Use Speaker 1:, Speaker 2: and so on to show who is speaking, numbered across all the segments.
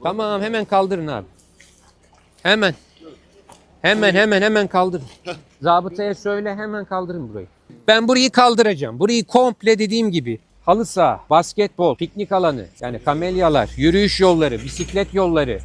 Speaker 1: Tamam hemen kaldırın abi. Hemen. Hemen kaldırın. Zabıtaya söyle hemen kaldırın burayı. Ben burayı kaldıracağım. Burayı komple dediğim gibi halı saha, basketbol, piknik alanı, yani kamelyalar, yürüyüş yolları, bisiklet yolları.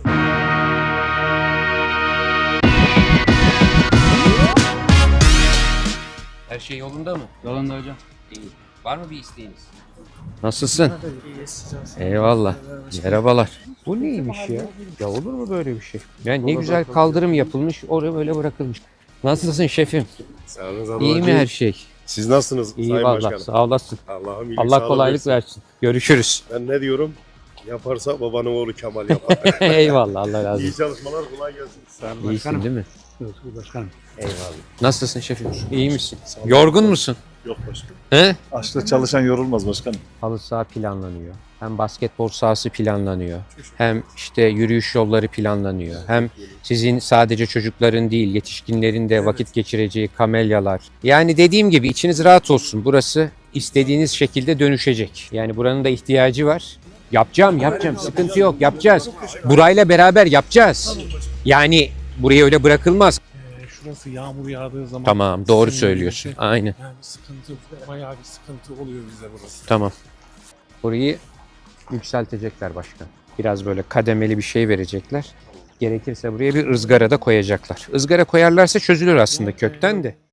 Speaker 1: Her şey yolunda mı?
Speaker 2: Yolunda hocam.
Speaker 1: İyi. Var mı bir isteğiniz? Nasılsın? Eyvallah. Merhabalar. Bu neymiş ya? Ya olur mu böyle bir şey? Yani ne güzel kaldırım yapılmış, oraya böyle bırakılmış. Nasılsın şefim?
Speaker 3: Sağ olun.
Speaker 1: İyi mi her şey?
Speaker 3: Siz nasılsınız
Speaker 1: İyi
Speaker 3: Sayın
Speaker 1: valla.
Speaker 3: Başkanım?
Speaker 1: Sağ olasın.
Speaker 3: Allah'ım iyilik
Speaker 1: Allah
Speaker 3: sağlık
Speaker 1: kolaylık versin. Görüşürüz.
Speaker 3: Ben ne diyorum? Yaparsa babanın oğlu Kemal yapar.
Speaker 1: Eyvallah. Allah razı
Speaker 3: İyi
Speaker 1: olsun.
Speaker 3: çalışmalar, kolay gelsin. Sağ
Speaker 1: İyisin değil mi?
Speaker 2: Başkanım.
Speaker 3: Eyvallah.
Speaker 1: Nasılsın şefim? İyi misin? Yorgun musun?
Speaker 3: Yok başkanım.
Speaker 1: He?
Speaker 4: Açta çalışan yorulmaz başkanım.
Speaker 1: Halı saha planlanıyor. Hem basketbol sahası planlanıyor. Hem işte yürüyüş yolları planlanıyor. Hem sizin sadece çocukların değil, yetişkinlerin de vakit geçireceği kamelyalar. Yani dediğim gibi içiniz rahat olsun. Burası istediğiniz şekilde dönüşecek. Yani buranın da ihtiyacı var. Yapacağım. Sıkıntı yok. Yapacağız. Burayla beraber yapacağız. Yani buraya öyle bırakılmaz.
Speaker 5: Şurası yağmur yağdığı zaman...
Speaker 1: Tamam, doğru
Speaker 5: sinirli
Speaker 1: söylüyorsun.
Speaker 5: bir şey.
Speaker 1: Aynen.
Speaker 5: Yani sıkıntı, bayağı bir sıkıntı oluyor bize burası.
Speaker 1: Tamam. Burayı yükseltecekler başkan. Biraz böyle kademeli bir şey verecekler. Gerekirse buraya bir ızgara da koyacaklar. Izgara koyarlarsa çözülür aslında kökten de.